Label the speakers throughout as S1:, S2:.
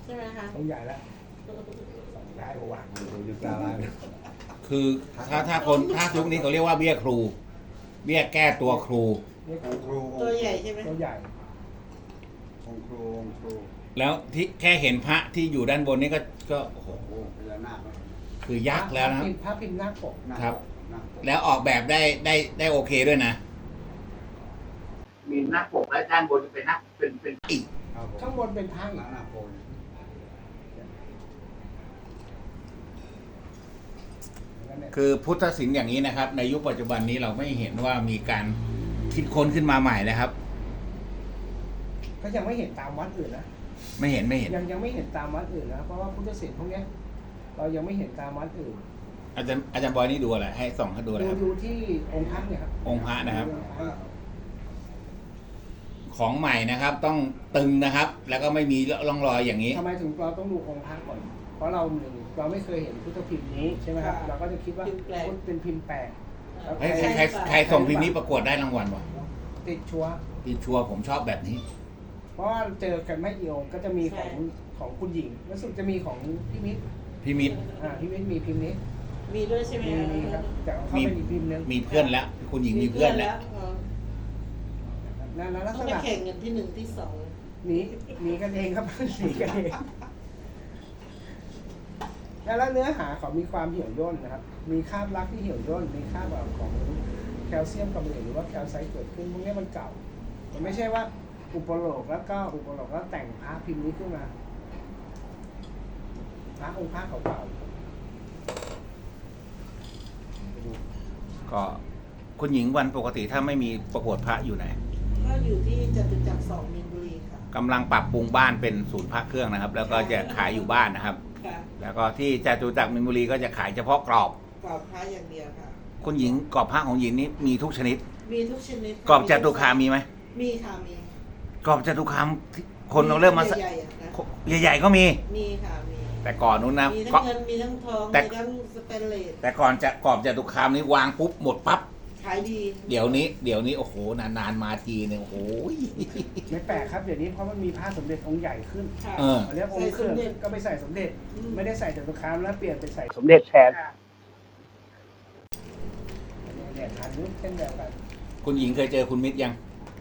S1: ช่ไหมคะ
S2: องค์ใหญ่แล้วย้ายวางอยู่ตาลาย
S3: คือถ้ายุคนี้เขาเรียกว่าเบี้ยครู เบี้ยแก้ตัวครู
S2: นี่
S4: องค์ครู
S1: ตัวใหญ่ใช่ไหม
S2: ตัวใหญ่
S4: องค์ครูองค์ครู
S3: แล้วที่แค่เห็นพระที่อยู่ด้านบนนี้ก็โอ้โห
S4: โอ้พญานาค
S3: คือยักษ์แล้วนะครับ
S2: พระพิมพ์หน้าปก
S3: ครับ แล้วออกแบบได้โอเคด้วยนะ มีหน้าปกและด้านบนเป็นหน้าเป็นอีก
S2: ข้างบนเป็นพระอีก
S4: นาคโพน
S3: คือพุทธศิลป์อย่างนี้นะครับ ในยุคปัจจุบันนี้เราไม่เห็นว่ามีการคิดค้นขึ้นมาใหม่นะครับ
S2: ก็ยังไม่เห็นตามวัดอื่นนะ
S3: ไม่เห็น
S2: ยังไม่เห็นตามวัดอื่นนะเพราะว่าพุทธศิลป์พวกเนี้ยเรายังไม่เห็นตามวัดอื่น
S3: อาจารย์บอยนี่ดูอะไรให้ส่องให้ดูอะไรครับ
S2: ดูที่องค์พระเนี่ยครับ
S3: องค์พระนะครับ ของใหม่นะครับ ต้องตึงนะครับ แล้วก็ไม่มีร่องรอยอย่างนี้
S2: ทำไมถึงเราต้องดูองค์พระก่อน เพราะเราไม่เคยเห็นพุทธพิมพ์นี้ใช่ไหมครับเราก็จะคิดว่าพุทธเป็นพิมพ์แปลกแล้ว
S3: ใครส่งพิมพ์นี้ประกวดได้รางวัลวะ
S2: ติดชัวร์
S3: พี่ชัวร์ผมชอบแบบนี้
S2: เพราะว่าเจอกันไม่กี่องค์ก็จะมีของคุณหญิงรู้สึกจะมีของพี่มิตร
S3: พี่มิตร
S2: พี่มิตรมีพิมพ์นี้
S1: มีด้วยใช่ไหม
S2: มีครับแต่เขาเป็นอีกพิมพ์นึง
S3: มีเพื่อนแล้ว คุณหญิงมีเพื่อนแล้ว
S2: นั่นลัก
S1: ต้
S2: ษ
S1: องไป
S2: ณะ
S1: แข่งกันที่หนึ่งที่สอง
S2: หนีกันเองครับ หนีกันเองแล้วเนื้อหาเขามีความเหี่ยวย่นนะครับ มีคราบลักที่เหี่ยวย่นมีคราบแบบของแคลเซียมกับเหลวหรือว่าแคลไซต์เกิดขึ้นพวกนี้มันเก่ามันไม่ใช่ว่าอุปโลกแล้วแต่งพระพิมพ์นี้ขึ้นมาพระองค์พระเก่าๆ
S3: ก็คุณหญิงวันปกติถ้าไม่มีประกวดพระอยู่ไหน
S1: ก็อยู่ที่จตุจักร2มีนบุรีค่ะ
S3: กำลังปรับปรุงบ้านเป็นศูนย์พระเครื่องนะครับ แล้วก็จะขายอยู่บ้านนะครับ
S1: ค่ะ
S3: แล้วก็ที่จตุจักรมินบุรีก็จะขายเฉพาะกรอบ
S1: กรอบพระอย่างเดียวค่ะ
S3: คุณหญิงกรอบพระของหญิงนี้มีทุกชนิด
S1: มีทุกชนิด
S3: กรอบจตุคามมีไหม
S1: มีค่ะมี
S3: กรอบจตุคามที่คนเราเริ่มมา
S1: ใหญ่ๆอะนะ
S3: ใหญ่ๆก็มี
S1: มีค่ะมี
S3: แต่ก่อนนู้นนะ
S1: มีทั้
S3: ก็
S1: งเงินมีทั้งทอง
S3: แต่
S1: มีทั้งสเปนเลส
S3: แต่ก่อนจะกรอบจตุคามนี้วางปุ๊บหมดปั๊บ
S1: ขายดี
S3: เดี๋ยวนี้โอ้โหนานๆมาทีเนี่ยโอ้โห
S2: ไม่แปลกครับเดี๋ยวนี้เพราะมันมีผ้าสมเด็จองค์ใหญ่ขึ้น
S1: ค่ะ
S3: เออ
S2: อันนี้องค์เครื่อง
S1: ใส่สมเด็จ
S2: ก็ไปใส่สมเด็จ
S1: อืม
S2: ไม่ได้ใส่จตุคามแล้วเปลี่ยนไปใส่สมเด็จแทนเนี่ยฐานยุคเช่นเดียวกัน
S3: คุณหญิงเคยเจอคุณมิตรยัง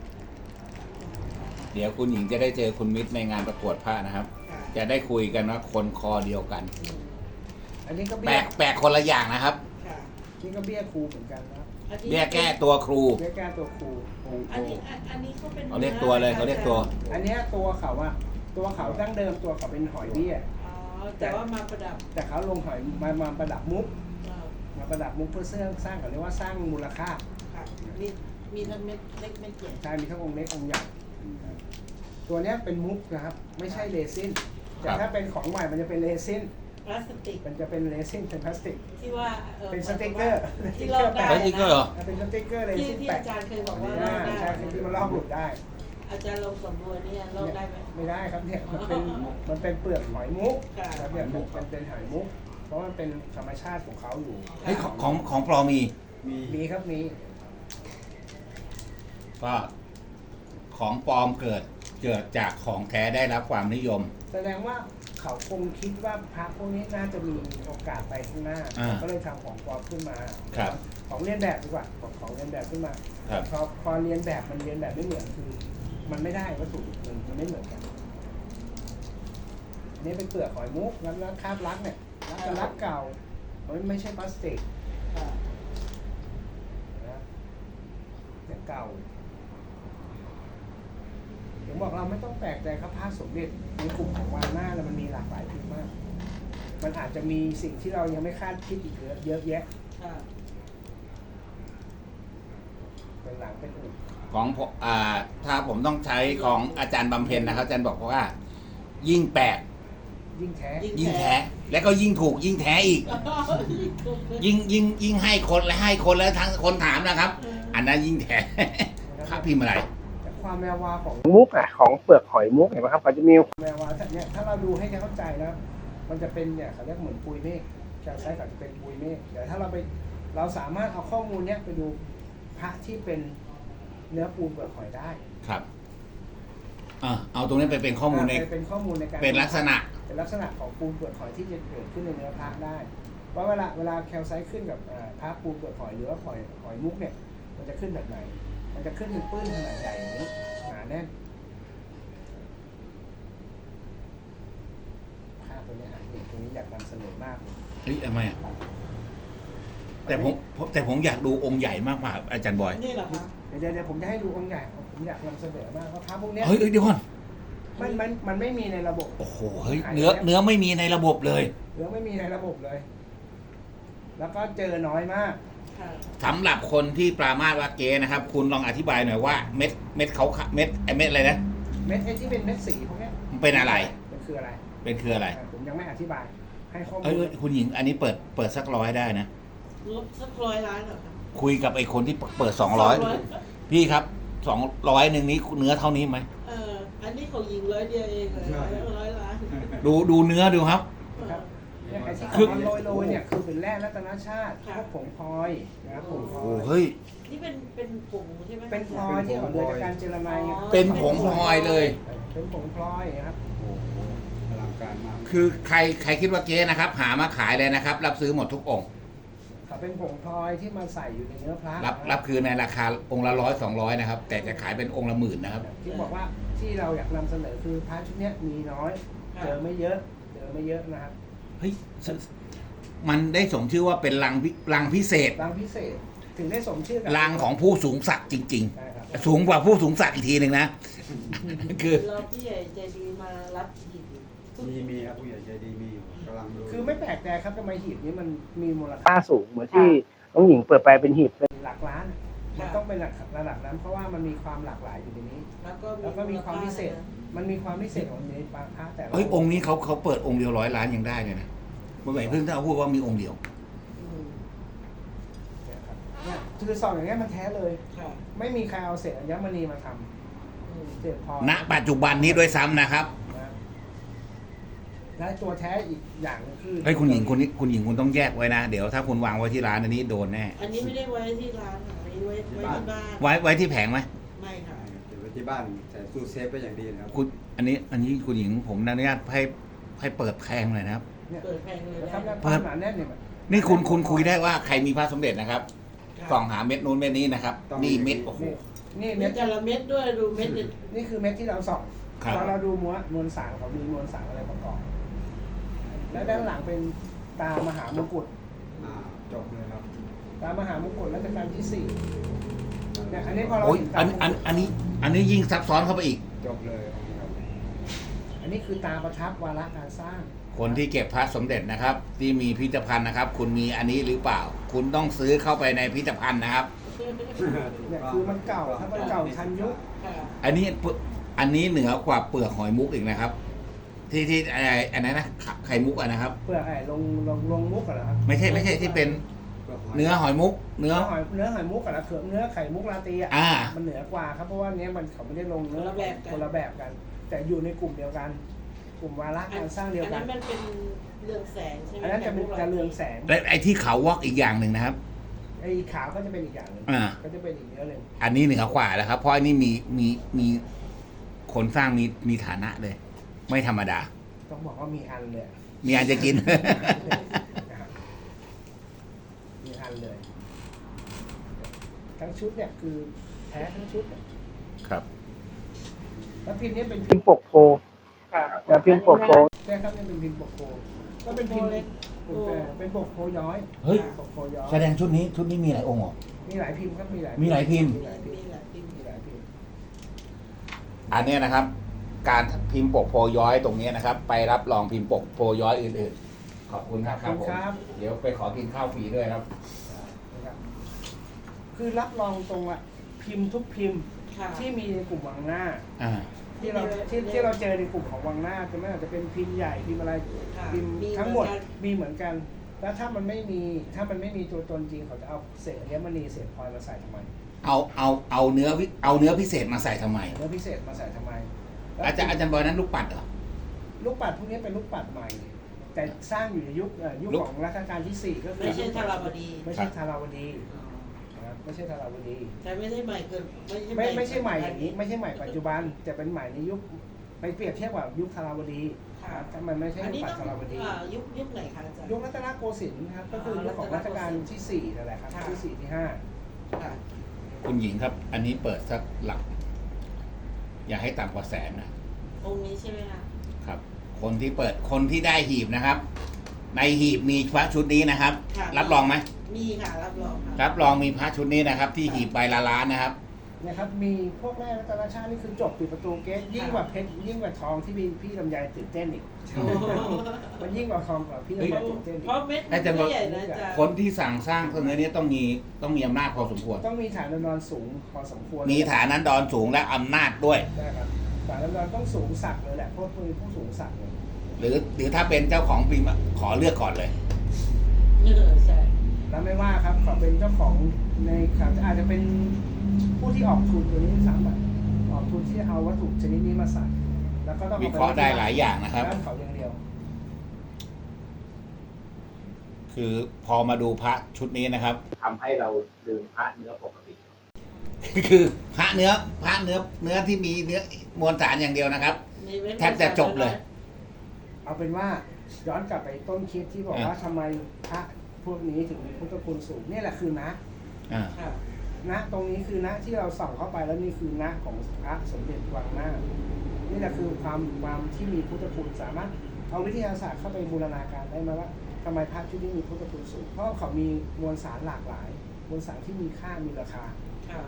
S3: เดี๋ยวคุณหญิงจะได้เจอคุณมิตรในงานประกวดผ้านะครับ
S1: ค่ะ
S3: จะได้คุยกันว่าคนคอเดียวกัน
S1: อืม
S2: อันนี้ก็
S3: แปลกคนละอย่างนะครับ
S1: ค่ะ
S2: นี่ก็เบี้ยครูเหมือนกันนะ
S1: อันนี้
S3: เบี้ยแก้ตัวครู
S2: เบี้ยแก้ตัวครูองค์ค
S1: อัน
S2: รู
S1: นี้เขาเป็น
S3: เขาเรียกตัวเลยเขาเรียกตัว
S2: อันเนี้ยตัวเขาอะตัวเขาดั้งเดิมตัวเขาเป็นหอยเบี้ย
S1: อ๋อแต่ว่ามาประดับ
S2: แต่เขาลงหอยมาประดับมุก
S1: อ่า
S2: มาประดับมุกเพื่อสร้างเขาเรียกว่าสร้างมูลค่า
S1: ค่ะมีทั้งเม็ดเล็กเม็ดใหญ่
S2: ใช่มีทั้งองค์เล็กองค์ใหญ่ตัวเนี้ยเป็นมุกนะครับ ไม่ใช่เรซินแต่ถ้าเป็นของใหม่มันจะเป็นเรซิน
S1: พลาสติก
S2: มันจะเป็นเรซินเป็นพลาสติก
S1: ที่ว่า
S2: เป็นสติ๊กเกอร์
S1: ที่ลอกได้
S3: สติ๊กเกอร์เหรอ
S2: เป็นสติ๊กเกอร์เร
S1: ที่
S2: ซิน
S1: ที่
S2: แปะ
S1: อาจารย์เคยบอกว่าลอกได้
S2: ใช่ที่มันลอกหลุดได้
S1: อาจารย์ลงสำรวจเนี่ยลอกได้ไหม
S2: ไม่ได้ครับเนี่ยมันเป็นเปลือกหอยมุก
S1: ค่ะ
S2: ครับเนี่ยมันเป็นหอยมุก เพราะมันเป็นธรรมชาติของเขาอยู่
S3: เฮ้ยของปลอมมี
S4: มี
S2: มีครับมี
S3: ก็ของปลอมเกิดจากของแท้ได้รับความนิยม
S2: แสดงว่าเขาคงคิดว่าพระพวกนี้น่าจะมีโอกาสไปข้างหน้า
S3: อ่า
S2: ก็เลยทำของปลอมขึ้นมา
S3: ครับ
S2: ของเลียนแบบดีกว่าของเลียนแบบขึ้นมา
S3: ครับ
S2: พอเรียนแบบมันเรียนแบบไม่เหมือนคือมันไม่ได้วัตถุมันไม่เหมือนกันอันนี่เป็นเปลือกหอยมุกแล้วคราบลักเนี่ยลักเก่ามันไม่ใช่พลาสติก
S1: ค่ะ
S2: นะเนี่ยเก่าถึงบอกเราไม่ต้องแปลกใจครับผ้าสมเด็จในกลุ่มของวานหน้าแล้วมันมีหลากหลายพิมพ์มาก มันอาจจะมีสิ่งที่เรายังไม่คาดคิดอีกเยอะแยะ
S1: ค่ะ
S2: เป็นหลังเป็นอุ่น
S3: ของผมถ้าผมต้องใช้ของอาจารย์บำเพ็ญนะครับ อาจารย์บอกว่า ยิ่งแปลก
S2: ยิ่งแท้
S3: ยิ่งแท้ แล้วก็ยิ่งถูกยิ่งแท้อีก ยิ่งให้คนแล้วทั้งคนถามนะครับ อันนั้นยิ่งแท้ พระพิมพ์อะไร
S2: แต่ความแวววาวของมุกของเปลือกหอยมุกเห็นไหมครับเขาจะมีแวววาวเนี่ยถ้าเราดูให้เข้าใจนะมันจะเป็นเนี่ยเขาเรียกเหมือนปุยเมฆแคลไซต์เขาจะเป็นปุยเมฆแต่ถ้าเราสามารถเอาข้อมูลเนี้ยไปดูพระที่เป็นเนื้อปูนเปลือกหอยได้
S3: ครับเอาตรงนี้ไปเป็นข้อมูลใน
S2: เป็นข้อมูลในการ
S3: เป็นลักษณะ
S2: เป็นลักษณะของปูนเปลือกหอยที่จะเกิดขึ้นในเนื้อพระได้เพราะเวลาแคลไซต์ขึ้นกับพระปูนเปลือกหอยหรือว่าหอยมุกเนี่ยมันจะขึ้นแบบไหนมันจะขึ้นเป็นปื้นขนาดใหญ่อย่างนี้หนาแน่นภาพตัวนี้ตรงนี้อยากนำเสนอมากเลย
S3: เฮ้ยทำไมอ่ะแต่ผมอยากดูองค์ใหญ่มากกว่าอาจารย์บอย
S1: นี่เหรอคะ
S2: เดี๋ยวผมจะให้ดูองค์ใหญ่ผมอยากนำเสนอมากเพราะพระพวกเนี้ย
S3: เฮ้ยเดี๋ยวก่อน
S2: มันไม่มีในระบบ
S3: โอ้โหเฮ้ยเนื้อไม่มีในระบบเลย
S2: หรือไม่มีในระบบเลย แล้วก็เจอน้อยมาก
S1: ค่ะ
S3: สำหรับคนที่ปรามาสว่าเก๊นะครับ คุณลองอธิบายหน่อยว่าเม็ดเขาเม็ดอะไรนะ
S2: เม็ดที่เป็นเม็ดสีพวกเนี้ย
S3: มันเป็นอะไร
S2: มันคืออะไร
S3: เป็นคืออะไร
S2: ผมยังไม่อธิบาย ให้ข้อมู
S3: เอ้ย
S2: ล
S3: คุณหญิงอันนี้เปิดสัก100ได้นะ
S1: ลบสัก100 ล้านเหรอคะ
S3: คุยกับไอ้คนที่เปิด200พี่ครับ200นึงนี้เนื้อเท่านี้ไหม
S1: อันนี้ของหญิง100 เดียวเองเลย100 ล้าน
S3: ดูเนื้อดูครับ
S2: ครับเนี่ยไอ้ที่
S3: คือ
S2: มันโรยเนี่ยคือเป็นแร่รัตนชาติพวกผงพลอยนะครับผงพล
S3: โอ้
S2: อย
S3: เฮ้ย
S1: นี่เป็นผงใช่ไหม
S2: เป็นพลอยที่ออกเรือจากการเจรไน
S3: เป็นผงพลอยเลย
S2: เป็นผงพลอยนะครับ
S4: โอ้โหอลังการมาก
S3: คือใครคิดว่าเก๊นะครับ หามาขายเลยนะครับ รับซื้อหมดทุกองค์
S2: เขาเป็นผงพลอยที่มาใส่อยู่ในเนื้อพระ
S3: รับคือในราคาองค์ละ100-200นะครับ แต่จะขายเป็นองค์ละ10,000นะครับ
S2: ที่บอกว่าที่เราอยากนำเสนอคือพระชุดเนี้ยมีน้อย เจอไม่เยอะนะครับ
S3: เฮ้ยมันได้สมชื่อว่าเป็นรังพิเศษ
S2: รังพิเศษถึงได้สมชื่อกั
S3: รังของผู้สูงศักดิ์จริง
S2: ใช่ครับ
S3: ๆ สูงกว่าผู้สูงศักดิ์อีกทีหนึ่งนะ คือ
S1: เราผู้ใหญ่ใจดีมารับหีบ
S4: มีครับผู้ใหญ่ใจดีมีอยู่กำลังดู
S2: คือไม่แปลกใจครับทำไมหีบนี้มันมีมูลค่าสูงเหมือนที่น้องหญิงเปิดไปเป็นหีบเป็นหลักล้าน มันต้องเป็นระดับนั้นเพราะว่ามันมีความหลากหลายอยู่ในนี้ แล้วก็มีความพิเศษ มันมีความพิเศษของในบางพระแต่ละ
S3: เฮ้ยองค์นี้เขาเปิดองค์เดียว100 ล้านยังได้เลยนะเมื่อไหร่เพิ่งถ้าพูดว่ามีองค์เดียว
S2: เนี่ยครับเนี่ยคือซองอย่างเงี้ยมันแท้เลย
S1: ค่ะ
S2: ไม่มีใครเอาเศษอัญมณีมาทำเศษพลอย
S3: ณ ปัจจุบันนี้ด้วยซ้ำนะครับ
S2: นะและตัวแท้อีกอย่างหนึงคือ
S3: เฮ้ยคุณหญิงคุณต้องแยกไว้นะ เดี๋ยวถ้าคุณวางไว้ที่ร้านอันนี้โดนแน่
S1: อันนี้ไม่ได้ไว้ที่ร้านค่ะอันนี้ไว้ที่บ้าน
S3: ไว้ที่แผงไหม
S1: ไม่ค่ะ
S4: เก็บไว้ที่บ้านใส่ตู้เซฟไว้อย่างดีนะครับ
S3: คุณอันนี้คุณหญิงผมอนุญาตให้เปิดแพงเลยนะครับ
S2: เนี่ย
S1: เปิดแพงเลย
S2: นะครับ
S1: ได้
S2: ความหนาแน่นเนี่ย
S3: นี่คุณคุยได้ว่าใครมีพระสมเด็จนะครับส่องหาเม็ดนู้นเม็ดนี้นะครับ นี่เม็ดโอ้โห
S2: นี่
S1: มี
S2: เม็ด
S1: แต่ละเม็ดด้วยดูเม็ดดิ
S2: นี่คือเม็ดที่เราส่อง
S3: ครับ
S2: พอเราดูมวลสารเขามีมวลสารอะไรประกอบ แล้วด้านหลังเป็นตามหามงกุฎ
S4: จบเลยครับ
S2: ตามหามงกุฎรัชกาลที่ 4เนี่ยอันนี้พอเรา
S3: โอ้ย
S2: เห็นตามงกุฎ
S3: อันนี้ยิ่งซับซ้อนเข้าไปอีก
S4: จบเลยครับ
S2: อันนี้คือตาประทับวาระการสร้าง
S3: คนที่เก็บพระสมเด็จนะครับ ที่มีพิพิธภัณฑ์นะครับ คุณมีอันนี้หรือเปล่า คุณต้องซื้อเข้าไปในพิพิธภัณฑ์นะครับ
S2: เนี่ยคือมันเก่าถ้ามันเก่าทันยุค
S1: ค่ะ
S3: อันนี้เหนือกว่าเปลือกหอยมุกอีกนะครับ ที่อะไรอันนั้นนะไข่มุกอะนะครับ
S2: เปลือกไอ้ลงมุกเหรอครับ
S3: ไม่ใช่ที่เป็นเนื้อหอยมุก เนื้อ
S2: เนื้อหอยมุกกับเขือเนื้อไข่มุกลาตีอ่ะ
S3: อ่า
S2: มันเหนือกว่าครับเพราะว่าเนี้ยมันเขาไม่ได้ลงเนื้อคนละแบบกัน แต่อยู่ในกลุ่มเดียวกัน กลุ่มวาระการสร้างเดียว
S1: อัน
S2: กั
S1: นั้น นมันเป็นเรืองแสงใช่ไหม
S2: อันนั้นจะเป็นจะเรืองแสง
S3: และไอ้ที่เขาวอกอีกอย่างหนึ่งนะครับ
S2: ไอ้ขาวก็จะเป็นอีกอย่างหนึ่ง
S3: อ่า
S2: ก็จะเป็นอีกเนื้อหนึ่ง
S3: อันนี้เหนือกว่าแล้วครับ เพราะอันนี้มีคนสร้างมีฐานะเลย ไม่ธรรมดา
S2: ต้องบอกว่ามีอันเลย
S3: มีอันจะกิน
S2: นะครับมีอันเลย ทั้งชุดเนี่ยคือแท้ทั้งชุดเนี่ย
S3: ครับ
S2: แล้วพิมพ์นี้เป็นพิมพ์ปกโพแต่พิมพ์ปกโพใช่ครับนี่เป็นพิมพ์ปกโพก็เป็นพิมพ์เป็นปกโพย้อย
S3: เฮ้ย
S2: ปกโพย้อย
S3: แสดงชุดนี้มีหลายองค์เหรอ
S2: มีหลายพิมพ์ครับมีหลาย
S3: มีหลายพิมพ์
S2: มีหลายพิมพ์
S1: มีแหละพิมพ์
S2: มีหลายพิมพ์
S3: อันเนี้ยนะครับ การพิมพ์ปกโพย้อยตรงเนี้ยนะครับ ไปรับรองพิมพ์ปกโพย้อยอื่นๆ ขอบคุณครับ
S2: ขอบคุณครับ
S3: เดี๋ยวไปขอกินข้าวฟรีด้วยครับ
S2: นะครับคือรับรองตรงอะพิมพ์ทุกพิมพ์
S1: ค่ะ
S2: ที่มีในกลุ่มวังหน้า
S3: อ่า
S2: ที่เราเจอในกลุ่มของวังหน้าจะไม่ว่าจะเป็นพิมพ์ใหญ่พิมพ์อะไร
S1: ค่ะ
S2: พิมพ์
S1: มี
S2: ทั้งหมด
S1: เหมือนกัน
S2: มีเหมือนกัน แล้วถ้ามันไม่มีตัวตนจริงเขาจะเอาเศษอัญมณีเศษพลอยมาใส่ทำไม
S3: เอาเนื้อพิเศษมาใส่ทำไม
S2: เนื้อพิเศษมาใส่ทำไมแล้ว
S3: อาจารย์บอยนั้นลูกปัดเหรอ
S2: ลูกปัดพวกนี้เป็นลูกปัดใหม่ แต่สร้างอยู่ในยุค
S3: ลูก
S2: ของรัชกาลที่ 4 ก็คือ
S1: ไม่ใช่ธาราวดี
S2: ไม่ใช่ธาราวดีนะครับไม่ใช่ธาราวดี
S1: แต่ไม่ใช่ใหม่เกิน
S2: ไม่ใช่ใหม่อย่างนี้ไม่ใช่ใหม่ปัจจุบันแต่เป็นใหม่ในยุคไปเปรียบเทียบกับยุคธาราวดีครับแต่มันไม่ใช่
S1: อัน
S2: ยุ
S1: นี้
S2: คปัจ
S1: ต้อง
S2: จุบัน
S1: ยุคไหนคะอาจารย์
S2: ยุครัตนโกสินทร์ครับก็คือยุคของรัชกาลที่4นั่นแหละครับที่4ที่5
S1: ค่ะ
S3: คุณหญิงครับ อันนี้เปิดสักหลัก อย่าให้ต่ำกว่าแสนนะ
S1: องค์นี้ใช่ไหมคะ
S3: ครับ คนที่เปิดคนที่ได้หีบนะครับ ในหีบมีพระชุดนี้นะครับ
S1: ค่ะ
S3: รับรองไหม
S1: มีค่ะรับรองค่ะ
S3: รับรองมีพระชุดนี้นะครับ ที่หีบใบละล้านนะครับ
S2: เนี่ยครับมีพวกแร่รัตนชาตินี่คือจบปิดประตูเกตยิ่งกว่าเพชรยิ่งกว่าทองที่พี่ลำไยตื่นเต้นอีก
S1: โอ้โห
S2: มันยิ่งกว่าทองกว่าพี่ลำไยตื่นเต้นอี
S1: เพราะ
S2: ก
S1: เม็ดมันไม่ใหญ่นะอาจารย์
S3: คนที่สั่งสร้างตัวนี้ต้องมีอำนาจพอสมควร
S2: ต้องมีฐานน้ำนอนสูงพอสมควร
S3: มีฐานันดรสูงและอำนาจด้วย
S2: นะครับฐานน้ำนอนต้องสูงสักเลยแหละเพราะเป็นผู้สูงสักเลย
S3: หรือถ้าเป็นเจ้าของปีมขอเลือกก่อนเลย
S1: ใช่
S2: แล้วไม่ว่าครับเขาเป็นเจ้าของในครับอาจจะเป็นผู้ที่ออกทุนตัวนี้ซ้ำอะออกทุนที่เอาวัตถุชนิดนี้มาใส่แล้วก็ต้อง
S3: วิเคราะห์ได้หลายอย่างนะครับ
S2: ด้านเขาอย่างเดียว
S3: คือพอมาดูพระชุดนี้นะครับทำให้เราลืมพระเนื้อปกติ คือพระเนื้อที่มีเนื้อมวลสารอย่างเดียวนะครับ แทบจะจบเลย
S2: เอาเป็นว่าย้อนกลับไปต้นคลิปที่บอกว่าทำไมพระพวกนี้ถึงมีพุทธคุณสูงนี่แหละคือนะ
S3: อ่า
S1: ค่ะ
S2: นะตรงนี้คือนะที่เราส่องเข้าไปแล้วนี่คือนะของพระสมเด็จวังหน้านี่แหละคือความที่มีพุทธคุณสามารถเอาวิทยาศาสตร์เข้าไปบูรณาการได้ไหมว่าทำไมพระชุดนี้มีพุทธคุณสูงเพราะเขามีมวลสารหลากหลายมวลสารที่มีค่ามีราคา
S1: ค่ะ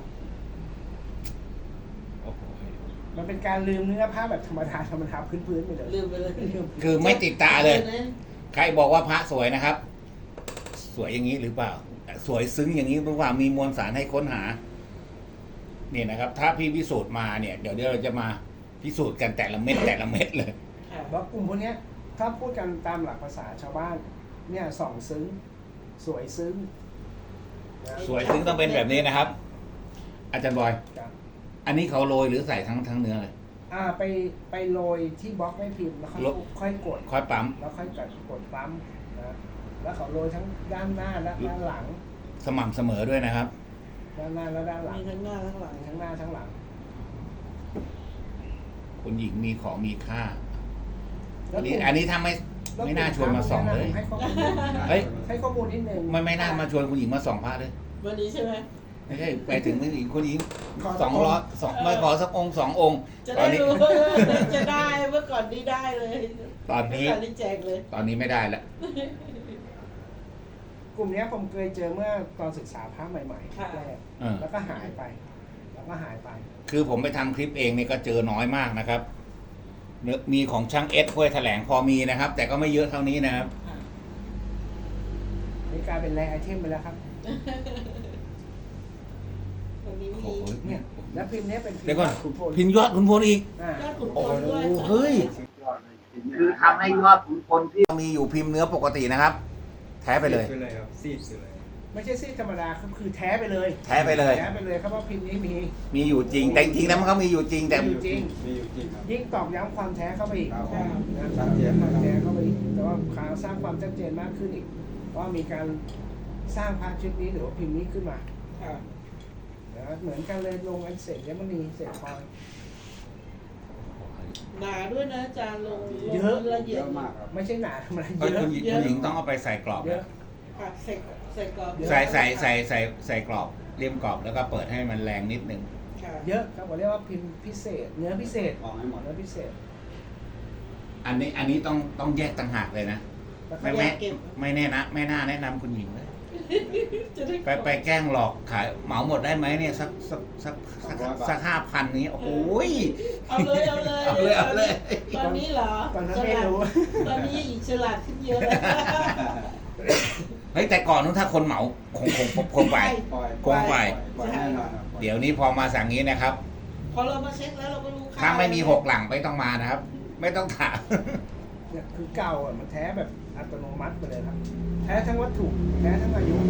S3: โอ้โห
S2: มันเป็นการลืมเนื้อผ้าแบบธรรมดาพื้นๆไปเลย
S1: ลืมไปเลย
S3: คือไม่ติดตาเลย ใครบอกว่าพระสวยนะครับ สวยอย่างนี้หรือเปล่า สวยซึ้งอย่างนี้หรือเปล่ามีมวลสารให้ค้นหาเนี่ยนะครับ ถ้าพี่พิสูจน์มาเนี่ยเดี๋ยวเราจะมาพิสูจน์กันแต่ละเม็ดเลย
S1: ค่ะ
S2: ว่ากลุ่มพวกเนี้ยถ้าพูดกันตามหลักภาษาชาวบ้านเนี่ยส่องซึ้งสวยซึ้งนะ
S3: สวยซึ้งต้องเป็นแบบนี้นะครับ อาจารย์บอย
S2: ครับ
S3: อันนี้เขาโรยหรือใส่ทั้งเนื้อเลย
S2: ไปโรยที่บล็อกไม่พิมพ์แล้วค่อยกด
S3: ค่อยปั๊ม
S2: แล้วค่อยกดปั๊มนะแล้วเขาโรยทั้งด้านหน้าและด้านหลัง
S3: สม่ำเสมอด้วยนะครับ
S2: ด้านหน้าและด้านหลัง
S1: มีทั้งหน้าทั้งหลัง
S2: ทั้งหน้าทั้งหลัง
S3: คุณหญิงมีของมีค่า
S2: แล้ว
S3: อันนี้ถ้าไม่น่าชวนมาส่องเลย
S2: ให้ข้อมูลนิดนึง
S3: เฮ้ย
S2: ให้ข้อมูลนิดนึง
S3: ไม่น่ามาชวนคุณหญิงมาส่องพระเลย
S1: วันนี้ใช่ไหม
S3: ไม่ใช่ไปถึงคุณหญิงคุณหญิง
S2: ขอสัก
S3: 200ไม่ขอสักองค์2 องค์
S1: จะ
S3: ตอ
S1: ได้
S3: นนี้
S1: รู้จะได้เมื่อก่อนนี้ได้เลย
S3: ตอนนี้
S1: ตอนนี้แจกเลย
S3: ตอนนี้ไม่ได้แล้ว
S2: กลุ่มเนี้ยผมเคยเจอเมื่อตอนศึกษาพระใหม่
S1: ค่ะ
S2: ๆแรก
S3: เออ
S2: แล้วก็หายไป แล้วก็หายไป
S3: คือผมไปทำคลิปเองเนี่ยก็เจอน้อยมากนะครับมีของช่างเอสห้วยแถลงพอมีนะครับ แต่ก็ไม่เยอะเท่านี้นะครับ
S1: ค่ะ
S2: นี่กลายเป็นแรไอเทมไปแล้วครับ
S1: วันนี้
S3: โอ้
S1: มี
S3: โห
S2: เนี่ยแล้วพิมพ์เนี้ยเป็นพิมพ์
S3: เดี๋ยวก่อน
S2: ขุนพล
S3: พินยอดขุนพลอีก
S2: อ่า
S1: ยอดขุนพ
S3: โอ้
S1: ลด้วย
S3: โหเฮ้ย คือทำให้ยอดขุนพลที่มีอยู่พิมพ์เนื้อปกตินะครับ แท้ไปเลย
S4: ซีดเลยครับซีดเลย
S2: ไม่ใช่ซีดธรรมดาคือแท้ไปเลย
S3: แท้ไปเลย
S2: แท้ไปเลยครับว่าพิมพ์นี้มี
S3: มีอยู่จริง แต่จริงๆแล้วมันก็มีอยู่จริงแต่
S2: มีอยู่จริง
S4: มีอยู่จริงครับ
S2: ยิ่งตอกย้ำความแท้เข้าไปอีก
S4: ครับ
S2: นะ
S4: ชัดเจน
S2: ค
S4: นะ
S2: วาม
S4: ครับ
S2: แท้เข้าไปอีกแต่ว่าการสร้างความชัดเจนมากขึ้นอีกว่ามีการสร้างพระชุดนี้หรือว่าพิมพ์นี้ขึ้นมา
S1: ค่ะ
S2: นะเหมือนกันเลยลงอันเศษยมณีเศษพลอย
S1: หนาด้วยนะอาจารย์ลง
S2: เยอะ
S1: ละเอี
S4: เย
S1: ยด
S4: อะมากครับ
S2: ไม่ใช่หนาธรรมดา
S3: เอ้ย
S2: เยอะ
S3: คุณหญิงต้องเอาไปใส่กรอบ
S2: เย
S3: นะ
S2: อะ
S1: ค่ะใส่กรอบ
S3: ใส่กรอบเลี่ยมกรอบแล้วก็เปิดให้มันแรงนิดนึง
S1: ค่ะ
S2: เยอะครับผมเรียกว่าพิมพ์พิเศษ เนื้อพิเศษ
S4: ออกให้หมด
S2: เนื้อพิเศษ
S3: อันนี้ต้องแยกต่างหากเลยนะ
S2: แล้วก็
S3: ไม่แน่นะไม่น่าแนะนำคุณหญิงเลย
S1: จะได้
S3: ไปแกล้งหลอกขายเหมาหมดได้ไหมเนี่ยสัก5,000นี้โอ้โหย
S1: เอาเลย
S3: เอาเลย
S1: ตอนนี้เหรอ
S2: ตอนนั้นไม่รู้
S1: ตอนนี้อีกฉลาดขึ้นเยอะ
S3: เฮ้ยแต่ก่อนนู้นถ้าคนเหมาคงไป
S4: ปล่อย
S3: คงไป
S4: ปล่อยแน่นอนครับ
S3: เดี๋ยวนี้พอมาสั่งนี้นะครับ
S1: พอเรามาเช็คแล้วเราก็รู้ค่า
S3: ถ้าไม่มี6 หลังไม่ต้องมานะครับ ไม่ต้องถาม
S2: เนี่ยคือเก่าอ่ะมันแท้แบบอัตโนมัติไปเลยครับ แท้ทั้งวัตถุแท้ทั้งอายุ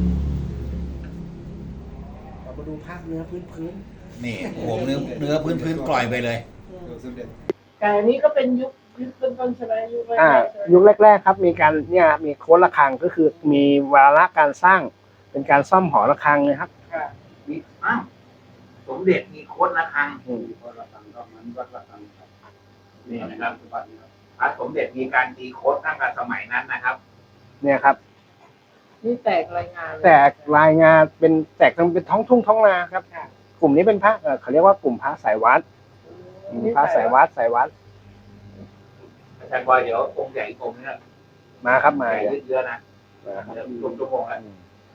S2: เรามาดูภาพเนื้อพื้น
S3: นี่โอ้โหเนื้อพื้นกล่อยไปเลย
S4: ดูสมเด็จ
S1: แต่อันนี้ก็เป็นยุคต้นๆใช่ไหมยุคแร
S2: ๆ
S1: กๆใช่ไหม
S2: ยุคแรกๆครับมีการเนี่ยมีโค้ดระฆังก็คือมีวาระการสร้างเป็นการซ่อมหอระฆังนะครับ
S1: ค่ะ
S3: มีอ้าวสมเด็จมีโค้ดระฆัง
S4: วัดระฆังก็เหมือนวัดระฆังครับ
S3: นี่นะครับ
S4: วัดนี้ครับ
S3: พระสมเด็จมีการตีโค้ดตั้งแต่สมัยนั้นนะครับ
S2: เนี่ยครับ
S1: นี่แตกรายงานเลย
S2: แตกรายงานเป็นแตกเป็นท้องทุ่งท้องนาครับ
S1: ค่ะ
S2: กลุ่มนี้เป็นพระเขาเรียกว่ากลุ่มพระสายวัดพระสายวัดสายวัด
S3: อาจารย์บอยเดี๋ยวองค์ใหญ่องค์นี้
S2: มาครับมา
S3: ใหญ่เยอะๆนะ
S2: นะครับ
S3: เดี๋ยวรวมชั่วโมงแล้ว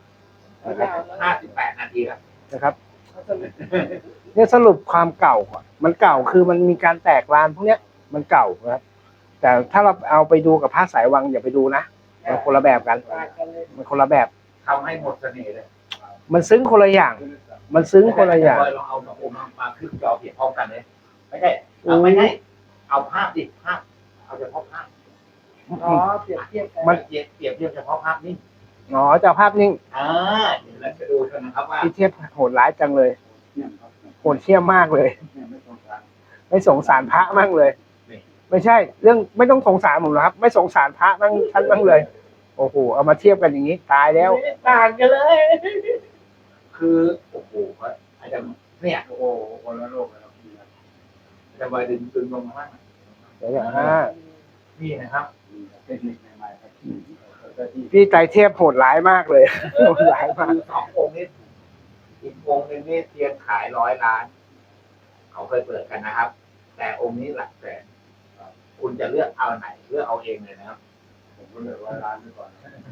S3: 58 นาทีครับ
S2: นะครับ เนี่ยสรุปความเก่าก่อนมันเก่าคือมันมีการแตกลานพวกเนี้ยมันเก่านะครับ แต่ถ้าเราเอาไปดูกับพระสายวังอย่าไปดูนะมันคนละแบบกัน
S1: ต่างกันเลย
S2: มันคนละแบบ
S3: ทำให้หมดเสน่ห์เลย
S2: มันซึ้งคนละอย่าง มันซึ้งคนละอย่าง
S3: จรย์บอยลองเอาสององค์มาขึ้นจอเปรียบพร้อมกันเลยไม่ใช่ไม่ใช่เอาภาพดิภาพเอาเฉพาะภาพ
S1: อ๋อเปรียบเทียบกัน
S3: มันเปรียบเทียบเฉพาะภาพนี่
S2: อ๋อเจ้าภาพนิ่ง
S3: เดี๋ยวเราจะดูกันนะครับว่า
S2: ที่เทียบโหดร้ายจังเลย
S4: เนี่ยครับ
S2: โหดเที่ยมมากเลย
S4: เนี่ยไม่ตรงกลาง
S2: ไม่สงสารพระมั่งเลย ไม่ใช่ เรื่องไม่ต้องสงสารผมหรอกครับ ไม่สงสารพระมั่งท่านมั่งเลย โอ้โหเอามาเทียบกันอย่างนี้ตายแล้ว
S1: ต่างกันเลย
S3: คือโอ้โหอาจารย์เนี่ย
S4: โอ้โหคนละโลกเลยครับนี่ครับ
S3: อาจารย์บอยดึงลงมาบ้าง
S2: เดี๋ยวอย่าง
S3: นี่นะครับ
S4: นี่ครับเทคนิคใหม่ๆครับที่ที่
S2: พี่ไตรเทพโหดร้ายมากเลย โหดร้ายมาก
S3: คือสององค์นี้อีกองค์หนึงนี่เตรียมขาย100 ล้าน เขาเคยเปิดกันนะครับ แต่องค์นี้หลักแสนคุณจะเลือกเอาไหนเลือกเอาเองเลยนะครับ
S4: ผมก็เลยว่าร้านไปก่อน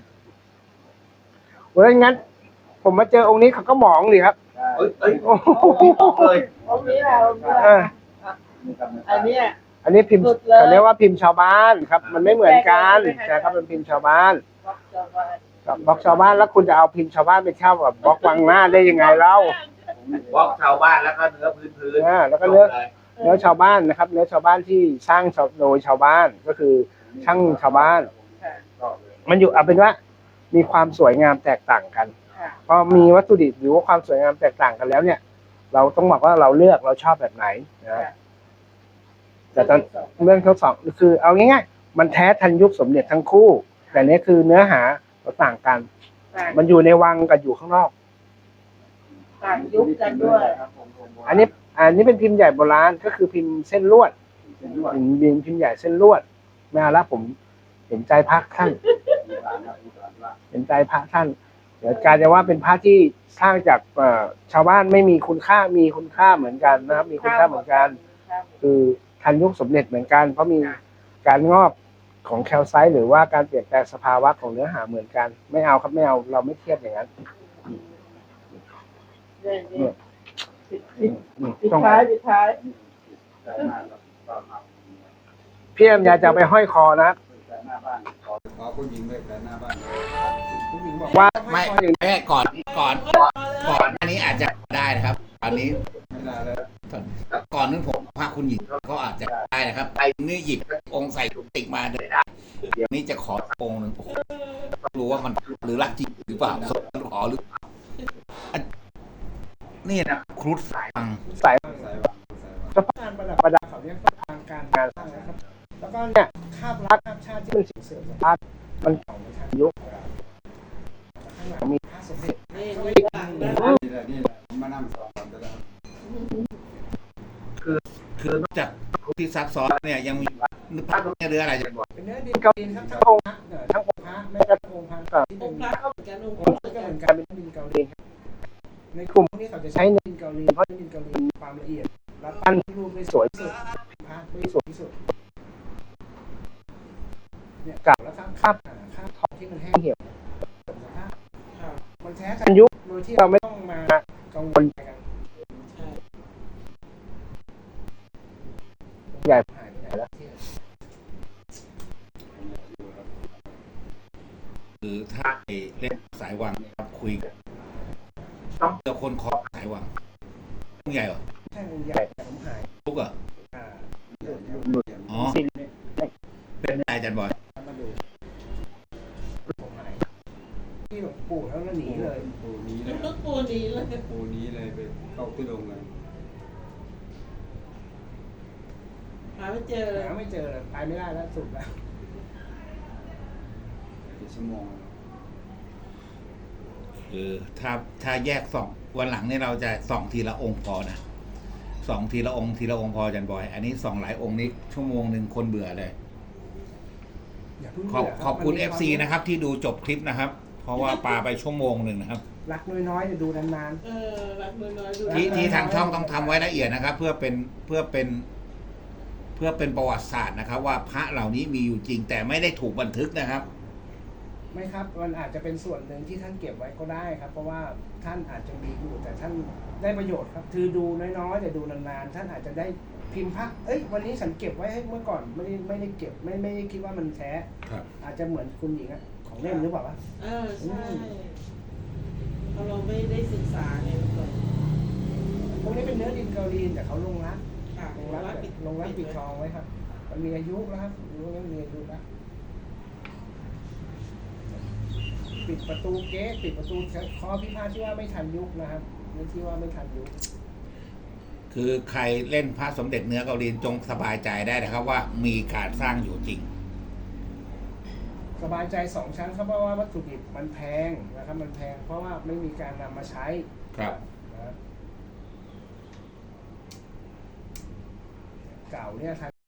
S2: เพราะงั้น ผมมาเจอองค์นี้เขาก็หมองเลยครับ
S4: ได้
S3: เอ้ย
S2: โอ้โห
S3: เลย
S1: องค์นี้แหละองค์นี้แห
S2: เอ
S1: ละ
S2: อ
S4: นี่ครับ
S1: อันเนี้ย
S2: อันนี้พิมพ์
S1: สุดเลย
S2: เขาเรียกว่าพิมพ์ชาวบ้านครับ มันไม่เหมือนกันใช่ครับเป็นพิมพ์ชาวบ้าน
S1: วัดเจ้าบ้าน
S2: กับบล็อกชาวบ้านแล้วคุณจะเอาพิมพ์ชาวบ้านไปเช่ากับบล็อกวังหน้าได้ยังไงเล่า
S3: บล็อกชาวบ้านแล้วก็เนื้อพื้น
S2: แล้วก็เนื้อ
S3: จบเลย
S2: เนื้อชาวบ้านนะครับ เนื้อชาวบ้านที่สร้างโดยชาวบ้านก็คือช่างชาวบ้าน
S1: ค่ะ
S2: มันอยู่เอาเป็นว่ามีความสวยงามแตกต่างกัน
S1: ค่ะ
S2: พอมีวัตถุดิบหรือว่าความสวยงามแตกต่างกันแล้วเนี่ย เราต้องบอกว่าเราเลือกเราชอบแบบไหนนะแต่ตอนเรื่องทั้งสองคือเอาง่ายๆมันแท้ทันยุคสมเด็จทั้งคู่ แต่เนี้ยคือเนื้อหาเราต่างกัน
S1: ต่าง
S2: มันอยู่ในวังกับอยู่ข้างนอก
S1: ต่างยุคกันด้วย
S2: อันนี้เป็นพิมพ์ใหญ่โบราณก็คือพิมพ์เส้นลวด
S4: เป็นด้วย
S2: พิมพ์ใหญ่เส้นลวดไม่เอาละผมเห็นใจพระท่าน
S4: มีร้านครับมีร้านว่า
S2: เห็นใจพระท่าน เดี๋ยวกลารจะว่าเป็นพระที่สร้างจากชาวบ้านไม่มีคุณค่ามีคุณค่าเหมือนกันนะครับ มีคุณค่าเหมือนกัน คือทันยุคสมเด็จเหมือนกัน เพราะมีการงอกของแคลไซต์หรือว่าการเปลี่ยนแปลงสภาวะของเนื้อหาเหมือนกัน ไม่เอาครับไม่เอาเราไม่เทียบอย่างนั้น
S1: เนี่ย
S2: อืม
S1: ปิด
S2: ต้อง
S1: ท้ายปิดท้าย
S4: ใจมากครับตอนมา
S2: พี่แอมอยากจะเอาไปห้อยคอนะ
S4: ใจหน้าบ้านขอผู้หญิงด้วยใจหน้าบ้าน
S2: ผู้หญิงบอกว่า
S3: ไม่ไม่ก่อนอันนี้อาจจะได้นะครับ อันนี้
S4: ไม่ได้แล้ว
S3: ก่อนนั้นผมพระคุณหญิงก็อาจจะได้นะครับไอ้นี่หยิบองค์ใส่ถุงติกมาเลยได้เดี๋ยวนี้จะขอองค์หนึ่งโอ้โหต้องรู้ว่ามันหรือรักจริงหรือเปล่าสมขอหรือนี่นะครุฑสายฟัง
S2: สาย
S4: ใส่วางใส่วาง
S2: สะพานประดับเขาเรียกว่าทางการงานสร้างนะครับ แล้วก็เนี่ยคาบรักคาบชาติที่มันเสื่อมสภาพมันเก่าในทางยุคข้างหลังมีพระสมเด็จ
S1: นี่นี่ต่างนะ
S4: นี่แหละนี่แหละผมมานั่งสอนกันแล้ว
S3: คือนอกจากที่ซับซ้อนเนี่ยยังมีพระเนี่ยเรืออะไรจะบอก
S2: เป็นเนื้อดินเกาหลีครับทั้งองค์พระทั้งองค์พระแม้กระทั่งองค์พระก็ที่
S1: อ
S2: เป็
S1: ง
S2: น
S1: ค์พระก็เหมือนกันองค์พ
S2: อ
S1: ระ
S2: งค์พ
S1: เหมื
S2: ระ
S1: อน
S2: ก็
S1: กัน
S2: เหมือนกันเป็นดินเกาหลีครับในกลุ่มพวกนี้เขาจะใช้เนื้อดินเกาหลีเพราะดินเกาหลีมีความละเอียดและปั้นรูปได้สวยที่สุดพระได้สวยที่สุดเนี่ยเก่าแล้วครับคาบทองที่มันแห้งเหี่ยวสภาพมันแท้ทันยุคโดยที่เราไม่ต้องมากังวลใจกัน
S1: ใช่
S2: ใหญ่หายไปไหนแล้ว
S3: คือถ้าไปเล่นสายวังครับคุยกันต้องเจอคนคอสายวังใหญ่เหรอ
S2: ใช่มันใหญ่แต่ผมหาย
S3: ทุกเหรอ
S2: อ่า
S3: อ๋อเป็นนายอาจารย์บอย
S2: มาดูผมหายที่หลวงปู่แล้วก็หนีเลย
S4: ปูนี้เลย
S1: ลูกปูนี้เลย
S4: ปูนี้เลยไปเข้าที่โรงเลย
S1: หาไม่เจอเลย
S2: หาไม่เจอเลยไปไม่ได้แล้วสุดแล้ว
S4: กี่ชั่วโมง
S3: ถ้าแยกส่องวันหลังเนี่ยเราจะส่องทีละองค์พอนะส่องทีละองค์พออาจันบอย อันนี้ส่องหลายองค์นี้ชั่วโมงหนึ่งคนเบื่อเลย
S2: อย่าเพิ่ง
S3: ขอบ
S2: เบื่
S3: ขอบคุณ
S2: มันมี
S3: FC นะครับ ที่ดูจบคลิปนะครับ เพราะว่าปาไปชั่วโมงหนึ่งนะครับ
S2: รักน้อยๆจะดูนาน
S1: รักน้อยๆดู
S3: ที่ทางช่องต้องทำไว้ละเอียดนะครับ เพื่อเป็นประวัติศาสตร์นะครับ ว่าพระเหล่านี้มีอยู่จริง แต่ไม่ได้ถูกบันทึกนะครับ
S2: ๆไม่ครับมันอาจจะเป็นส่วนหนึ่งที่ท่านเก็บไว้ก็ได้ครับ เพราะว่าท่านอาจจะมีอยู่แต่ท่านได้ประโยชน์ครับคือดูน้อยๆแต่ดูนานๆท่านอาจจะได้พิมพ์พระวันนี้ฉันเก็บไว้ให้เมื่อก่อนไม่ได้เก็บไม่ได้คิดว่ามันแท้
S3: ครับ
S2: อาจจะเหมือนคุณหญิงอะของเล่มหรือเปล่าวะ
S1: ใช่เพราะเราไม่ได้ศึกษาไงเมื่อก่อน
S2: พวกนี้เป็นเนื้อดินเกาหลีแต่เขาลงรัก
S1: ค่ะ
S2: ลงรักปิดทองไว้ครับ มันมีอายุแล้วครับรู้ว่ามีอายุแล้วปิดประตูเก๊ะปิดประตูข้อพิพาทที่ว่าไม่ทันยุคนะครับนี่ที่ว่าไม่ทันยุค
S3: คือใครเล่นพระสมเด็จเนื้อเกาหลีจงสบายใจได้นะครับ ว่ามีการสร้างอยู่จริง
S2: สบายใจ2 ชั้นครับเพราะว่าวัตถุดิบมันแพงนะครับมันแพงเพราะว่าไม่มีการนำมาใช้
S3: ครับ
S2: นะครับเก่าเนี่ย